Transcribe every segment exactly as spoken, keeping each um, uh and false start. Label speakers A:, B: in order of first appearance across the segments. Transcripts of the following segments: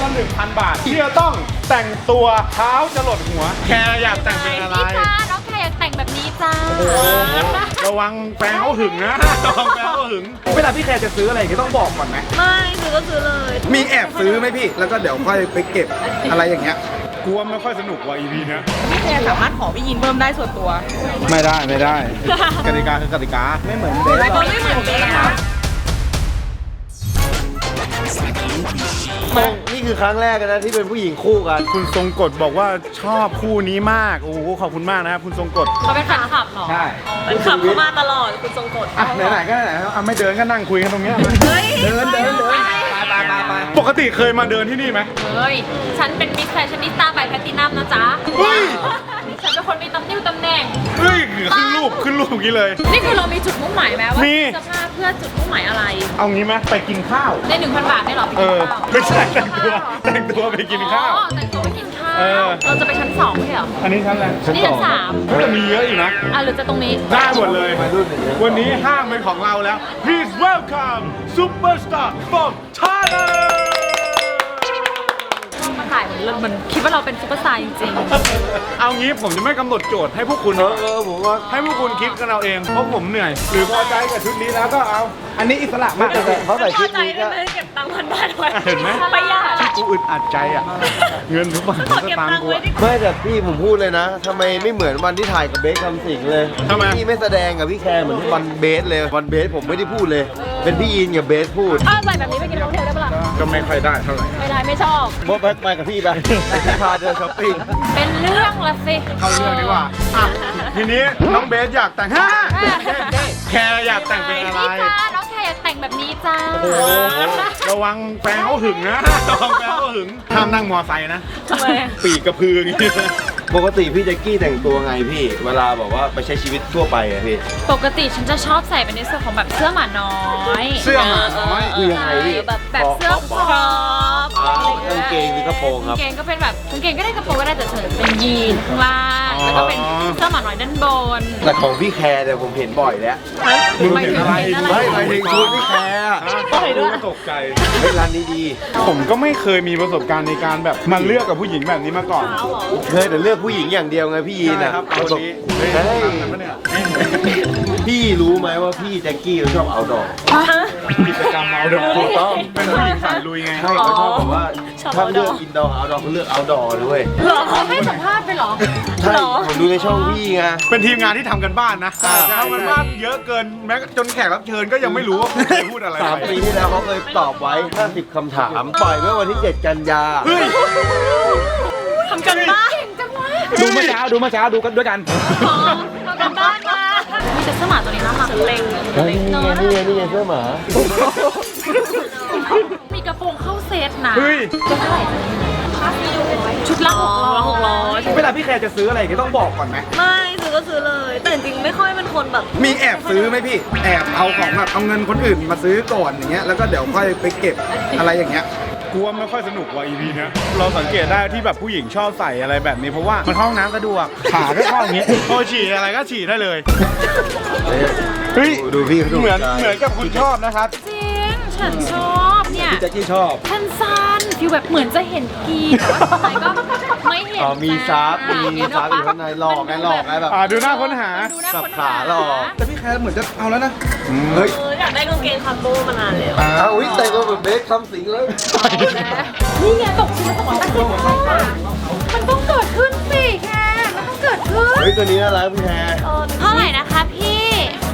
A: ละหนึ่งพันบาทที่จะต้องแต่งตัวเท้าจะหลดหัวแคร์อยากแต่งเป็นอะไร
B: นี่จ้าน้องแคร์อยากแต่งแบบนี้จ้า
A: ระวังแฟนเขาหึงนะระวังแฟนเขาหึงเวลาพี่แคร์จะซื้ออะไรก็ต้องบอกก่อนไหม
C: ไม่ซื้อก็ซื้อเลย
D: มีแอบซื้อไหมพี่แล้วก็เดี๋ยวค่อยไปเก็บอะไรอย่างเงี้ย
A: กลัวไม่ค่อยสนุกว่ะ อี พี เนี้ย
C: พี่แคร์สามารถขอพี่ยินเพิ่มได้ส่วนตัว
A: ไม่ได้ไม่ได้กติกาคือกติกาไม่เหมือนเบส
C: ไม่เหมือนเบสนะ
D: นี่คือครั้งแรกนะที่เป็นผู้หญิงคู่กัน
A: คุณทรงกฎบอกว่าชอบคู่นี้มากโอ้โหขอบคุณมากนะครับคุณทรงกฎ
B: เขาเป็นแฟนคลับเหรอ
A: ใช่
C: เป็นขับเข้ามาตลอดคุณทรงกฎ
A: อ่ะไหนๆก็ไหนๆอ่ะไม่เดินก็นั่งคุยกันตรงเนี้ยเดินเดินเดินไปไปไปปกติเคยมาเดินที่นี่ไหม
B: เฮ้ยฉันเป็นมิสแฟชั่นนิสต้าใบแพลตินัมนะจ๊ะ
A: เฮ้ย
B: ฉันเป็นคนมีตำแหน่งตำแหน่ง
A: เฮ้ยขึ้นรูปขึ้นรูปอย่างนี้เลย
B: นี่คือเรามีจุดมุ่งหมายไหมว่า
A: มี
B: เสื้อผ้าเพื่อจุดมุ่งหมายอะไร
A: เอางี้ไหมไปกินข้าว
B: ในหนึ่งพันบาทได้หรอ
A: เออไม่ใช่แต่งตัวแต่งตัวไปกินข้าว
B: แต่งตัวไปกินข้าวเราจะไปชั้นสองไม่ใช่หรอ
A: อันนี้ชั้นอะไร
B: ชั้นชั้นสาม
A: จะมีเยอะอยู่นะ
B: อ่ะหรือจะตรงนี้
A: ได้หมดเลยวันนี้ห้างเป็นของเราแล้ว Please welcome superstar from Thailand
B: มาถ่ายเหมือนเหมือนคิดว่าเราเป็นซุปเปอร์สตาร์จริง
A: ๆเอางี้ผมจะไม่กำหนดโจทย์ให้พวกคุณ
D: เออเออผมว่า
A: ให้พวกคุณคิดกันเอาเองเพราะผมเหนื่อยหรือพอใจกับชุดนี้แล้วก็เอาอันนี้อิสระมากแต่เขาใส่ชุดนี้ก็
C: เก็บตังค์พันบาทไว้
A: เห็นไหม
C: ประหยัด
A: กูอึดอัดใจอ่ะเงินทุกบาททุกสตางค์กู
D: ไม่แต่พี่ผมพูดเลยนะทำไมไม่เหมือนวันที่ถ่ายกับเบสคำสิงเลยพี่ไม่แสดงกับพี่แคร์เหมือนที่วันเบสเลยวันเบสผมไม่ได้พูดเลยเป็นพี่ยินกับเบสพูด
B: อ้าวใส่แบบนี้ไปกินโฮเทลได้ปะล่ะ
A: ก็ไม่ค่อยได้เท่าไหร่
B: ไม่ได้ไม่ชอบ
D: โบ๊ทไปกับพี่ไปพี่พาเดินช้อปปิ้ง
B: เป็นเรื่องละสิ
A: เข้าเรื่องดีกว่าทีนี้น้องเบสอยากแต่งฮ่าแคร์อยากแต่งเป็นอะไร
B: นี่จ้าน้องแคร์อยากแต่งแบบนี้จ้า
A: โอ้โหระวังแฟนเขาหึงนะระวังแฟนเขาหึงห้ามนั่งมอไซค์นะ
C: ทำไม
A: ปีกกระพืออย่างนี้
D: ปกติพี่แจ็คกี้แต่งตัวไงพี่เวลาบอกว่าไปใช้ชีวิตทั่วไปอะพี่
B: ปกติฉันจะชอบใส่เป็นในส่วนของแบบเสื้อหมาน้อย
A: เสื้อหมาน้อย
D: คือยังไงพี่
B: แบบแบบเสื้อครอป
D: กางเกงหรือกระโปรงครับ
B: กางเกงก็เป็นแบบกางเกงก็ได้กระโปรงก็ได้แต่เฉยเป็นยีนข้างล่างแล้วก็เป็นเสื้อหมาน้อยด้านบน
D: แต่ของพี่แคร์เนี่ยผมเห็นบ่อยแล้ว
A: มึงเห็นอะไร
D: ไม่หมายถึงชุดพี่แคร์
A: กูก็ตกใจ
D: เฮ้ยร้านนี้ดี
A: ผมก็ไม่เคยมีประสบการณ์ในการแบบมาเลือกกับผู้หญิงแบบนี้มาก่อน
D: เคยแต่เลือกผู้หญิงอย่างเดียวไงพี่ยีนอ่ะ
A: ประสบ
D: พี่รู้ไหมว่าพี่แจ็คกี้เขาชอบเอาดอก
A: กิจกรรมเอาดอกถูกต้องเป็นผู้หญิงสายลุยไง
D: ใช่เขาชอบแบบว่าถ้าเลือกอินดอร์เอาดอกเขาเลือกเอาดอกด้วย
B: หรอเขาให้สัมภาษณ์ไปหรอ
D: ใช่ผมดูในช่องพี่ไง
A: เป็นทีมงานที่ทำกันบ้านนะทำกันบ้านเยอะเกินแม้จนแขกรับเชิญก็ยังไม่รู้ว่าคุณเคยพูดอะไร
D: สามปีที่แล้วเขาเคยตอบไว้ห้าสิบคำถามปล่อยเมื่อวันที่เจ็ดกันยา
C: ทำกันบ้าน
A: ดูเมื่อเช้าดูเมื่อเช้าดูกันด้วยกัน
B: ทำกันบ้านมามีแต่เสื้อหมาตัวนี้น่ารักเล็ง
D: เล็งนี่ไงนี่ไงนี่ไงเสื้อหมา
B: มีกระโปรงเข้าเซตนะ
A: เฮ้ย
B: จะเท่าไหร่ชุดละหกร้อยหกร้อย
A: เวลาพี่แคร์จะซื้ออะไรก็ต้องบอกก่อนไหม
C: ไม่ซื้อก็ซื้อเลยแต่จริงไม่ค่อยเป็นคนแบบ
D: มีแอบซื้อไหมพี่แอบเอาของแบบเอาเงินคนอื่นมาซื้อก่อนอย่างเงี้ยแล้วก็เดี๋ยวค่อยไปเก็บอะไรอย่างเงี้ย
A: กลัวไม่ค่อยสนุกว่ะ อี พี เนี้ยเราสังเกตได้ที่แบบผู้หญิงชอบใส่อะไรแบบนี้เพราะว่ามันเข้าห้องน้ำสะดวกขาก็เข้าอย่างเงี้ยพอฉี่อะไรก็ฉี่ได้เลยเฮ้ย
D: ดูพี่
A: เหมือนเหมือนกับคุณชอบนะครับ
B: จริงฉันชอบเนี่ย
D: พี่แจ็คกี้ชอบ
B: สั้นสั้นฟิวแบบเหมือนจะเห็นกีแต่ว่าทำไมก็ไม่เห็น
D: อ๋อมีซับมีซับอยู่ข้างในหลอกไงหลอกไงแบบ
A: ดูหน้าค้นหา
D: สับขาหลอกแต่พี่แคร์เหมือนจะเอาแล้วนะ
C: เฮ้ยอยากได้กางเกงคาร์โก้มานานแล้ว
D: อ้าวอุ้ยแต่งตัวแบบเบสคำสิงเลย
B: นี่ไงตกชิ้นละสองร้อยแปดสิบมันต้องเกิดขึ้นสิแคร์มันต้องเกิดขึ้น
D: เฮ้ยตัวนี้น่ารักพี่แคร์
B: เท่าไหร่นะคะพี่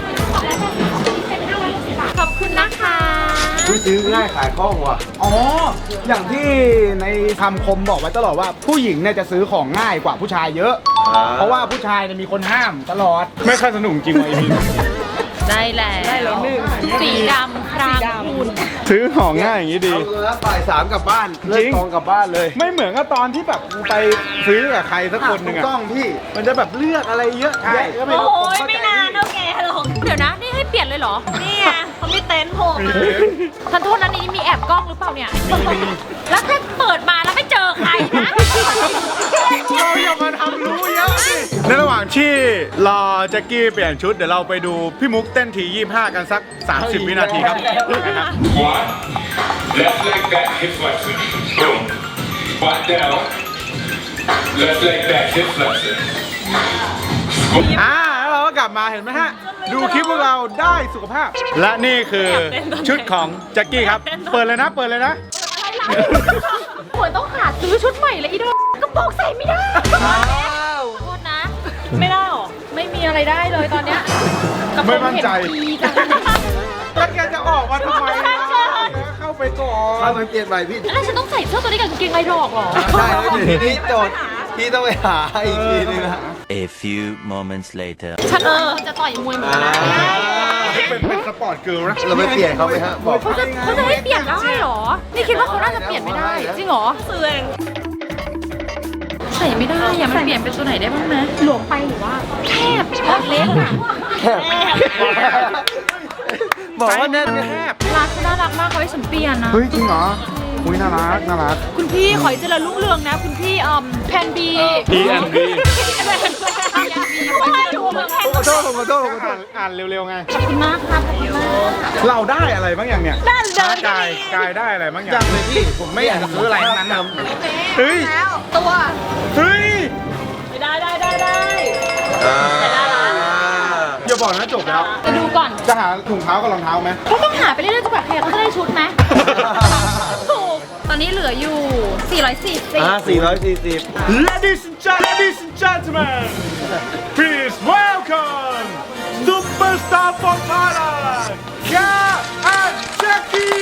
B: ขอบคุณนะคะ
D: ซื้อง่ายขายคล่องว่ะ
A: อ๋ออย่างที่ในคำคมบอกไว้ตลอดว่าผู้หญิงเนี่ยจะซื้อของง่ายกว่าผู้ชายเยอะเพราะว่าผู้ชายเนี่ยมีคนห้ามตลอดไม่ค่อยสนุกจริงว่ะ อี พี
B: ได้แล้วได้แล้วหนึ่งสีดำครามคุณ
A: ซื้อของง่ายอย่างนี้ดี
D: เอาแล้วบ่ายสามกลับบ้านเลิกกองกลับบ้านเลย
A: ไม่เหมือนกับตอนที่แบบไปซื้อกับใครสักคนหนึ่งอะ
D: ต้องพี่
A: มันจะแบบเลือกอะไรเยอะแยะก็ไม่รู้
C: โอ้ยไม่นานเท่าแกหรอก
B: เดี๋ยวนะนี่ให้เปลี่ยนเลยเหรอ
C: นี่ไงเขามีเต็นท์ผม
B: ท่านโทษนะนี่มีแอบกล้องหรือเปล่าเนี่ยแล้วถ้าเปิดมาแล้วไม่เจอใครนะ
A: เราอย่ามาทำรู้เยอะสิในระหว่างที่รอแจ็คกี้เปลี่ยนชุดเดี๋ยวเราไปดูพี่มุกเต้นทียี่สิบห้ากันสักสามสิบวินาทีครับ
E: One, left leg back, hip flexor. Boom. Squat down. Left leg back, hip flexor.
A: อ่าแล้วเราก็กลับมาเห็นไหมฮะ ดูคลิปพวกเราได้สุขภาพ และนี่คือชุดของแจ็คกี้ครับ เปิดเลยนะ เปิดเลยนะ
B: เหมือนต้องหาซื้อชุดใหม่เลยอีโดกระโปรงใส่ไม่ได้โทษนะ
C: ไม่ได้หรอ
B: ไม่มีอะไรได้เลยตอนเนี้ยกระโปร
A: ไม่
B: ง
A: มั่นใจ
B: เห็นดีจัง
A: แล้วแกจะออกมาทำไมล่ะเข้าไปก่อน
D: ถ้ามันเปลี่ยนใหม่พี่
B: แล้วฉันต้องใส่เสื้อตัวนี้กับกางเกงในดอกเหรอ
D: ใช่แล้วทีนี้โจทย์พี่ต้องไปหาอีกทีนึงนะ
F: A few moments later.
B: ฉันเออจะต่อยมวยเหมือนกันนะ
A: เป็นเป็นสปอร์ตเกิร์ลนะ
D: เราไปเปลี่ยนเขาไหมฮะบอก
B: เขาจะเขาจะให้เปลี่ยนได้เหรอ นี่คิดว่าเขาน่าจะเปลี่ยนไม่ได้ จริงเหรอ
C: ซื้อเอง
B: ใส่ไม่ได้อย่ามันเปลี่ยนเป็นตัวไหนได้บ้างไหมหลวมไปหรือว่าแคบออกเล็กอะ
D: บอกว่าแน่นไง
A: แคบ
B: ร้านเขาน่ารักมากเขาให้ฉันเปลี่ยนนะ
A: เฮ้ยจริงเหรอ อุ้ยน่ารักน่ารัก
B: คุณพี่ขอให้เจริญรุ่งเรืองนะ คุณพี่อืมแพนบี
A: P and B
B: ไม่ถูกเหมือนแพน
D: ขอโทษขอโทษขอโท
A: อ่า
D: ษ
A: นอ่านเร็วๆไง
B: ขอบคุณมากครับขอบคุณมาก
A: เราได้อะไรบ้างอย่างเนี่ย
C: ด้านเดิน
A: กายกายได้อะไรบ้างอย่าง
D: ยังเลยพี่ผมไม่อยากจะซื้ออะไรทั้งนั้นนะ
A: เฮ้ย
B: ตัว
A: เฮ้ย
C: ไม่ได้ได้ได้ได้
D: อ่า
A: อย่าบอกนะจบแล้ว
B: จะดูก่อน
A: จะหาถุงเท้ากับรองเท้าไหม
B: เขาต้องหาไปเรื่อยๆจนกว่าใครเขาจะได้ชุดไหมถูกตอนนี้เหลืออยู่สี่ร้อยสี่สิบ
D: อ่าสี่ร้อยสี่สิบ
A: Ladies and gen- ladies and gentlemen please welcome superstar from Thailand Ka and Jackie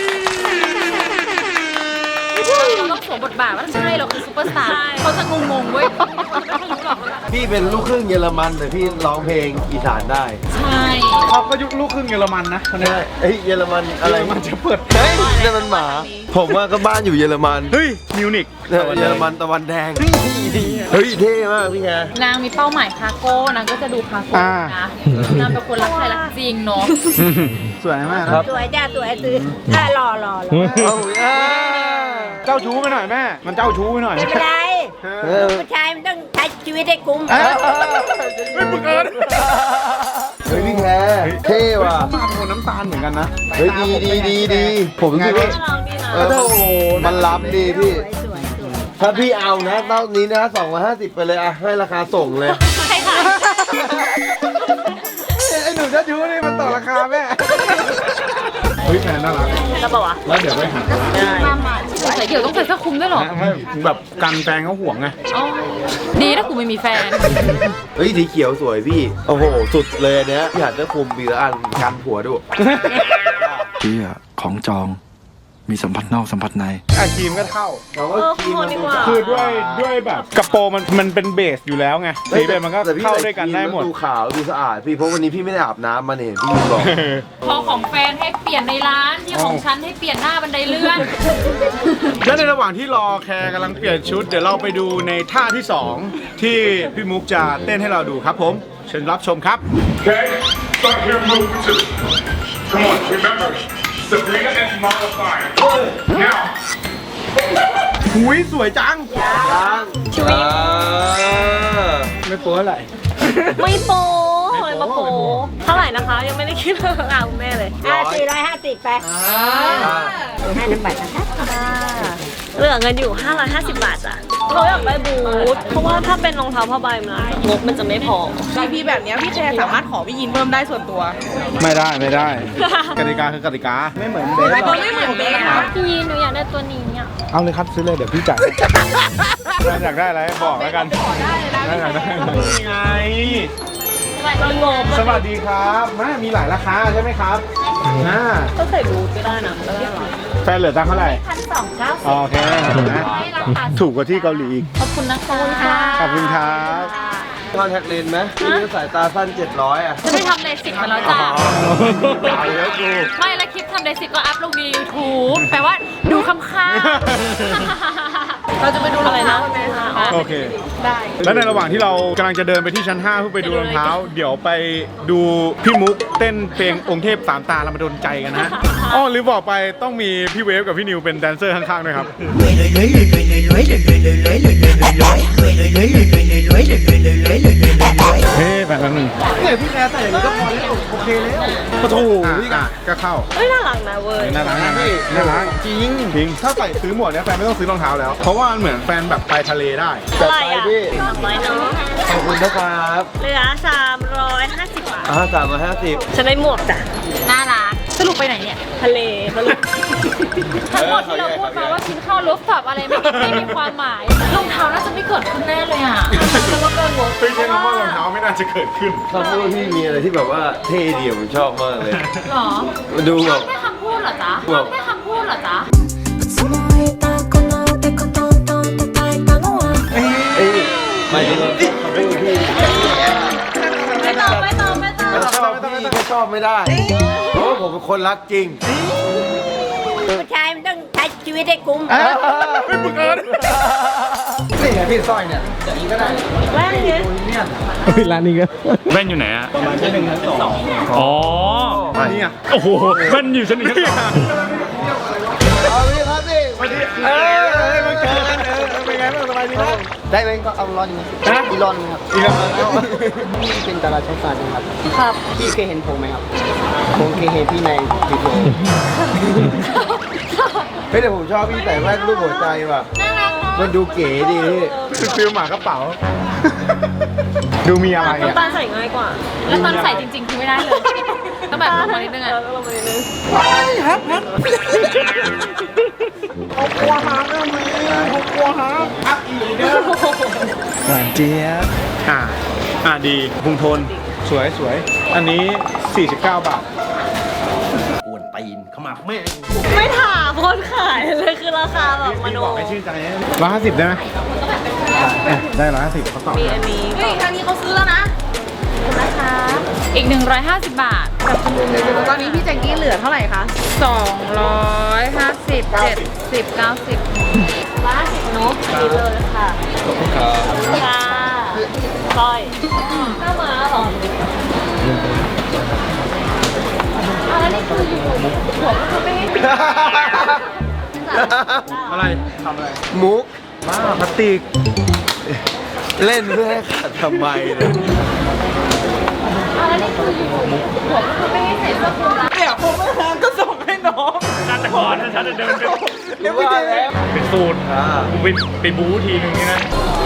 B: เราต้องสวมบทบาทว่าใช่เราคือซูเปอร์สตาร์เขาจะงงๆเว้ยไม่รู้หรอก
D: พี่เป็นลูกครึ่งเยอรมันแต่พี่ร้องเพลงอีสานได้
B: ใช่
A: เขาก็ยุคลูกครึ่งเยอรมันนะคนนี้
D: ใช่เอ้ยเยอรมันอะไร
A: มันจะเปิด
D: เฮ้ยนั่นมันหมา ผมว่าก็บ้านอยู่เยอรมัน
A: เฮ้ยมิวนิก
D: เนี่ยเยอรมันตะวันแดง เฮ้ยเท่มากพี่แก
B: นางมีเป้าหมายคาโก้นางก็จะดูคาโก้นะนางเป็นคนรักใครรักจริงเนาะ
A: สวยมากครับ
C: สวยจ้าสวยซื้ออ่ะรอรอรอ
D: เอาอ่า
A: เจ้าชู้ไปหน่อยแม่ มันเจ้าชู้ไปหน่อย
C: ไม่เป็นไร
D: เออ
C: ผู้ชายมันต้องใช้ชีวิตให้คุ้ม
A: เอ้ยไม่มึงเอิญ
D: เฮ้ยพี่แกเท่ว่ะ
A: มาเป็นคนน้ำตาลเหมือนกันนะ
D: เฮ้ยดีดีดีดีผมคิดว่า
C: ลองดีนะ
D: เออมันล้ำดีพี่ ถ้าพี่เอานะเต้านี้นะสองร้อยห้าสิบไปเลยอะให้ราคาส่งเลย
C: ใช่ค่ะ
A: ไอ้หนูเจ้าชู้นี่มันต่อราคาแม่ เฮ้ยแฟนน่ารัก
C: แล้วบอกว่า
A: แล้วเดี๋ยวไปหา
B: มามาใส่เกี่ยวต้องใส่เสื้อคลุมด้วยเหรอ
A: ไม่แบบกันแฟนเขาห่วงไง
B: อ๋อดีถ้ากูไม่มีแฟน
D: เฮ้ยสีเขียวสวยพี่ โอ้โห สุดเลยอันเนี้ยพี่หัดเสื้อคลุมมีละอันกันผัวด้วย
G: เที่ยของจอง มีสัมผัสนอกสัมผัสใน
A: อาครีมก็เท่า
D: เรา
C: เอ
D: ก็
C: อ
D: คี
C: ขอ
D: มัน
C: ดี
D: ดู
C: กว่า
A: คือด้วยด้วยแบบกระโปรงมันมันเป็นเบสอยู่แล้วไงสีเบสมันก็
D: แต่พี่
A: เข้าด้วยกันได้หมด
D: ดูขาวดูสะอาดพี่เพราะวันนี้พี่ไม่ได้อาบน้ำมาเนี่ยพี่บอก
B: พอของแฟนให้เปลี่ยนในร้านที่ของฉันให้เปลี่ยนหน้าบันไดเลื่อน
A: แล้วในระหว่างที่รอแคร์กำลังเปลี่ยนชุด เดี๋ยวเราไปดูในท่าที่สองที่พี่มุกจะเต้นให้เราดูครับผม เชิญรับชมครับ
E: Okay? Start here, move two. Come on, remember, Sabrina is modified. Now,
A: หุยสวยจัง
C: ชีวิต
A: ไม่โป๊ะอะไร
C: ไม่โป๊เลยมาโป๊เท่าไหร่นะคะ ยังไม่ได้คิดเลยอ่ะคุณแม่เลยอ่ะสี่ร้อยห้าสิบไปให้น้ำบัตรนะคะเหลือเงินอยู่ ห้าร้อยห้าสิบ บาทจ้ะเขาอยากได้บูทเพราะว่าถ้าเป็นรองเท้าผ้าใบมันงบมันจะไม่พอ
H: พีพีแบบเนี้ยพี่แคร์สามารถขอพี่ยินเพิ่มได้ส่วนตัว
A: ไม่ได้ไม่ได้ กติกาคือกติกา ไม่เหมือนเบส
H: มันไม่เหมือนเบสนะ
B: พี่หนูอยากได้ตัวนี้อ่ะ
A: เอาเลยครับซื้อเลยเดี๋ยวพี่จ่ายอยากได้อะไรบอกแล้วกันได้อยากได้นี่ไง
C: มันงบ
A: สวัสดีครับมามีหลายราคาใช่ไหมครับอ่า
C: ก็ใส่บูทก็ได้นะไม่เป็นไร
A: แฟนเหลือตังค์เท่าไหร่
B: พันสองเก้าสิบ
A: โอเคนะถูกกว่าที่เกาหลีอีก
B: ขอบคุณนะคะ
A: ขอบคุณครับ
D: คอนแทคเลนส์ไหมพี่ก็สายตาสั้นเจ็ดร้อยอ่ะ
B: จะไปทำเลสิกมาแล้วจ้ะ
D: ตายแล้วกู
B: ไม่และคลิปทำเลสิกก็อัพลงใน ยูทูบ แปลว่าดูคำค่า เราจะไปดูอะไรนะไหมคะ
A: โอเค
B: ได้
A: แล้วในระหว่างที่เรากำลังจะเดินไปที่ชั้นห้าเพื่อไปดูรองเท้า เดี๋ยวไปดูพี่มุกเต้นเพลงองค์เทพสามตาเรามาโดนใจกันนะอ๋อหรือบอกไปต้องมีพี่เวฟกับพี่นิวเป็นแดนเซอร์ข้างๆด้วยครับเฮ้ยแบบนั้นหนึ่ง
D: เนี่ยพี่แคร์ใส่อย่างนี้ก็พอแล้วโอเคแล้ว
A: ปะทูพี่อ่ะก็เข้า
C: เฮ้ยน่ารักนะเว้ย
A: น่ารักน่ารักน่ารักจริงจริงถ้าใส่ซื้อหมวกเนี้ยแฟนไม่ต้องซื้อรองเท้าแล้ว เพราะว่าว่ามันเหมือนแฟนแบบไปทะเลได้
D: จัด
C: อะไร
D: ไป
C: อ่ะ
D: พี่
C: สามร้อยเนาะ
D: ขอบคุณนะครับ
C: เหลือสามร้อยห้าสิบบาท
D: อ่าสามร้อยห้าสิบ
C: ฉันได้หมวกจ้ะ
B: น่ารักสรุปไปไหนเนี่ย
C: ทะเลสรุป
B: ทั้งหมดที่เราพูดมาว่ากินข้าวรูฟท็อปอะไรไม่ไม่มีความหมายรองเท้าน่าจะไม่เกิดขึ้นแน่เลยอ่ะแล้วก็เกินงบ
A: เฮ้ยใช่คำว่ารองเท้าไม่น่าจะเกิดขึ้น
D: คำพูดพี่มีอะไรที่แบบว่าเท่ดีผมชอบมากเลย
B: หรอ
D: มาดูแบบ
B: แค่คำพูดเหรอจ๊ะแค่คำพูดเหรอจ๊ะ
D: เอ้ยหมายถึงว่าคำพูดพี่
C: ไม่ต้องไม่ต้องไม่ต้อง
D: ไม่ชอบพี่ก็ชอบไม่ได้ เพราะว่าผมเป็นคนรักจริง
C: ผู้ชายมันต้องใช้ชีวิตให้คุ้ม
A: ไม่มึงเอิญ
D: นี่ไงพี่สร้อยเนี่ยอย่างนี้ก็ได้
C: แว่นเนี่ย
A: ร้านนี้ก็แว่นอยู่ไหนอะประมาณชั้นหนึ่งชั้นสองอ๋ออันนี้อ่ะโอ้โหแว่นอยู่ชั้นหนึ่งชั้นสอง
D: เอาพี่ครับพี่
A: สวัสดีเออมาเจอกันเออเป็นไงบ้างสบายดีนะ
I: ได้ไหมก็เอาร้อนไหม
A: ฮะ
I: อีรอนไหมครับ
A: อีกแล้ว
I: พี่เป็นดาราช่องสามนะครับ
C: ครับ
I: พี่เคยเห็นผมไหมครับ ผมเคยเห็นพี่ในวิดีโอ
D: เฮ้ยแต่ผมชอบพี่ใส่แว่นรูปหัวใจว่ะ
B: น่ารักเนาะ
D: มันดูเก๋ดีพี่
A: คือฟิลหมากระเป๋า ดูมีอะไรอ่ะ
C: น้ำตาลใส่ง่ายกว่า
B: แล้วตอนใส่จริงๆคือไม่ได้เลยต้องแบบลงมานิดนึงอ่ะ
C: เลงมานิดนึง
A: หวานเจี๊ยบอ่าอ่าดีพุงโทนสวยสวยอันนี้ สี่สิบเก้า บาท
D: อ้วนตีนเข้ามาแม่
C: ไม่ถามคนขายเลยคือราคาแบบม
A: พี่
C: โน
A: บอกให้ชื่นใจร้อยห้าสิบได้ไหมอ่ะได้ร้อยห้าสิบเขาตอบ
C: มีอันนี้
B: เฮ้ยครั้งนี้เขาซื้อแล้วนะนะคะ อีก หนึ่งร้อยห้าสิบบาท
H: ตอนนี้พี่แจ็คกี้เหลือเท่าไหร่คะ
B: สองร้อยห้าสิบเจ็ดสิบเก้าสิบ
C: ร้านสิบนกดีเลยค่ะขอบคุณค่ะสร้อยหน้าม้าเหรอ
B: อะไรนี่คืออยู่หัวก็คือไม่ให้ปิด
A: อะไรทำอะไร
D: มุก
A: บ้าพลาสติก
D: เล่นเพื่อให้ขาดทำไมเนี่ย
B: อะไรนี่คืออยู่หัวก็คือไม่ให้ใส่เสื้อคลุมละ
H: เนี่ยผมไม่หาก็ส่งให้น้อง
A: น่าจะก่อนนะฉันจะเดินไป
D: เดี๋ยวว่าแล้ว
A: เป็นสูตร
D: อ่า
A: กูไปไปบู๊ทีนึงนี่นะ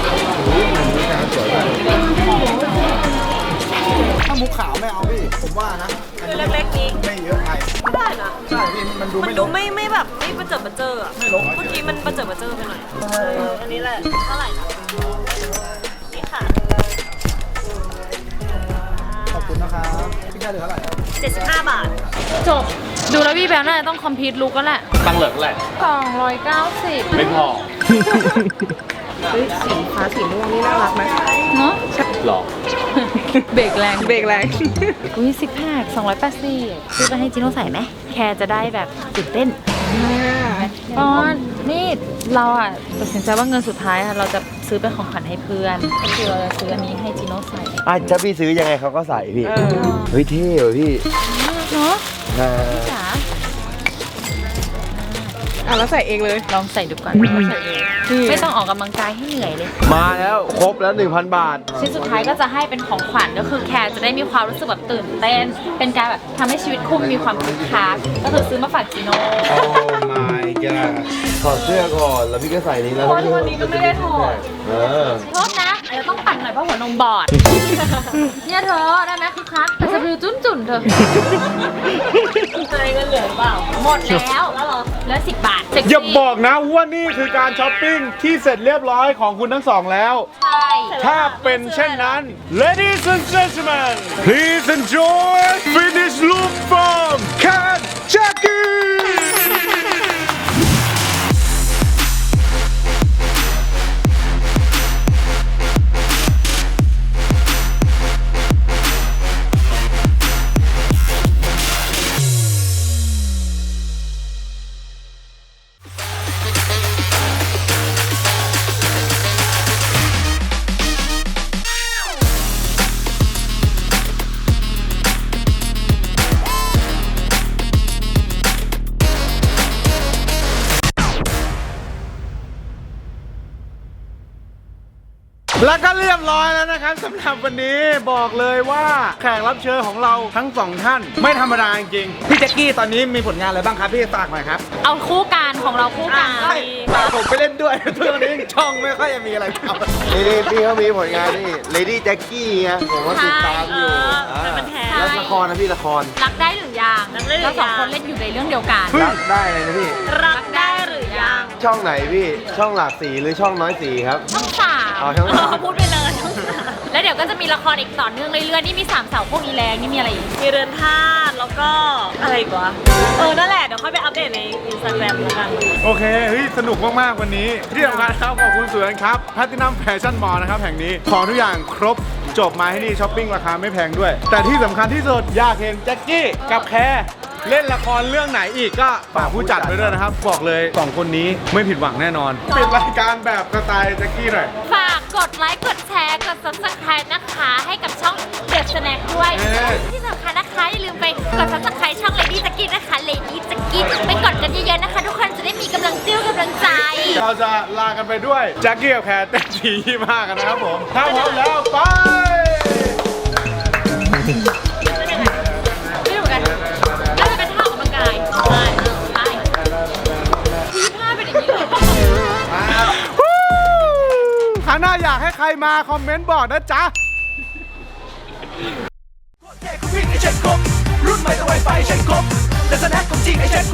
I: ถ้ามุกขาวไม่เอาพี่ ผมว่านะ
C: คือเล็กๆนี้
I: ไม่เยอะไป
C: ไม่ได้นะ
I: ใช่พี่มันดู
C: มัน
I: ไม่
C: ดู
I: ลง
C: ไม่ไม่แบบไม่ประเจิดประเจออะเมื่อกี้มันประเจิดประเจอไปหน่อยเอออันนี้แหละเท่าไหร่นะนี่ค่ะ
I: ขอบคุณนะครับ พี่แค่เหลือเท่าไหร่ครับ
C: เจ็ดสิบห้าบาท
B: จบ ดูแล้วพี่แบลน่าจะต้องคอมพิวต์ลุกแล้วแหละ
A: ตั้งเหลิกแหละ
B: สองร้อยเก้าสิบ
A: ไม่พอ
H: เฮ้ยสีฟ้าสีม่วงนี่น่ารักไหม
B: เนาะ
A: หรอ
B: เบรกแรง
H: เบรกแรง
B: อุ้ยซิกแพคสองร้อยแปดสิบซื้อไปให้จิโน่ใส่ไหม แคร์จะได้แบบตื่นเต้นปอนนี่เราอ่ะตัดสินใจว่าเงินสุดท้ายอะเราจะซื้อเป็นของขวัญให้เพื่อนก็คือเราจะซื้ออันนี้ให้จิโน่ใส่
D: อ่ะถ้าพี่ซื้อยังไงเขาก็ใส่พี่ เฮ้ยเท่เหรอพี่
B: เนาะ
D: อ่า
B: จ๋า
H: อ่ะแล้วใส่เองเลย
B: ลองใส่ดูก่อนลองใส่ดูไม่ต้องออกกำลังกายให้เหนื่อยเลย
D: มาแล้วครบแล้วหนึ่งพันบาท
B: ชิ้นสุดท้ายก็จะให้เป็นของขวัญก็คือแคร์จะได้มีความรู้สึกแบบตื่นเต้น เป็นการแบบทำให้ชีวิตคุ้มมีความคึกคักก็คือซื้อมาฝากจิโน่
A: โอ้ my god
D: ถอดเสื้อก่อนแล้วพี่ก็ใส่นี้แล้ว
B: เพราะทุกวันนี้ก็ไม่ได้ถอด
D: เออ
B: โทษนะอาจจะต้องปั่นหน่อยเพราะหัวนมบอด เนี่ยเธอได้ไหมคึกคักแต่สะดือจุ้นจุ่นๆเธอ
C: ใช้เงินเหลือหรือเปล่า
B: หมดแล้วแล้วเหรอเหลือสิบบาทเซ็กซี่
A: อย่าบอกนะว่านี่คือการช้อปปิ้งที่เสร็จเรียบร้อยของคุณทั้งสองแล้ว
B: ใช่
A: ถ้าเป็นเช่นนั้น Ladies and gentlemen please enjoy finish look from Cat Jackie แล้วก็เรียบร้อยแล้วนะครับสำหรับวันนี้บอกเลยว่าแขกรับเชิญของเราทั้งสองท่านไม่ธรรมดาจริงๆพี่แจ็คกี้ตอนนี้มีผลงานอะไรบ้างครับพี่ฝากหน่อยครับ
B: เอาคู่การของเราคู่การ
A: ฝากผมไปเล่นด้วยทุกวันนี้ช่องไม่ค่อยจะมีอะไรทำ
D: นี่นี่พี่เขามีผลงานนี่ Lady Jackie ไงผมก็ติดตามอยู่
C: เออเป็นแทน
D: แล้วละครนะพี่ละคร
B: รักได้หรือยัง
C: รักได้หรือยัง
B: เราสองคนเล่นอยู่ในเรื่องเดียวกัน
D: รักได้เลยนะพี่
C: รักได้หรือยัง
D: ช่องไหนพี่ ช่องหลากสีหรือช่องน้อยสีครับ
B: ช่องสาม
D: อ๋อช่องสาม
B: พูดไปเลยช่องสามแล้วเดี๋ยวก็จะมีละครอีกต่อเนื่องเรื่อยๆนี่มีสามเสาพวกอีแรงนี่มีอะไรอีก
C: มีเรือนธาตุแล้วก็อะไรอีกวะเออนั่นแหละเดี๋ยวค่อยไปอัปเดตในอินสตาแกรมแล้วกัน
A: โอเคเฮ้ยสนุกมากๆวันนี้ที่สำคัญครับขอบคุณสวนครับแพลตินัมแฟชั่นมอลล์นะครับแห่งนี้ของทุกอย่างครบจบมาให้นี่ช้อปปิ้งราคาไม่แพงด้วย แต่ที่สำคัญที่สุดอยากเห็นแจ็คกี้กับแคร์เล่นละครเรื่องไหนอีกก็ฝากผู้จัดไปด้วยนะครับบอกเลยสองคนนี้ไม่ผิดหวังแน่นอนปิดรายการแบบสไตล์แจ็คกี้หน่อย
B: ฝากกดไลค์กดแชร์กด ซับสไครบ์ นะคะให้กับช่องเดอะสแน็คด้วย
A: เอ้ย
B: ที่สำคัญนะคะอย่าลืมไปกด ซับสไครบ์ ช่อง Lady Jackie นะคะ Lady Jackie ไปกดกันเยอะๆนะคะ ทุกคนจะได้มีกำลังเจี้ยวกำลังใจ
A: เราจะลากันไปด้วยแจ็คกี้กับแคร์เต้นทียี่มากกันนะครับผมถ้าพร้อมแล้วไป
B: ไม่รู้กันน่าจะเป็นท่าออกกำลังกายใช่ใช่ที่ท่าเป็นอย่างนี้เลย
A: ครั้งหน้าอยากให้ใครมาคอมเมนต์บอกนะจ๊ะ
J: รุ่นใหม่ต้องไวไฟใช้ครบแต่สแน็คของจริงไอ้เช็ด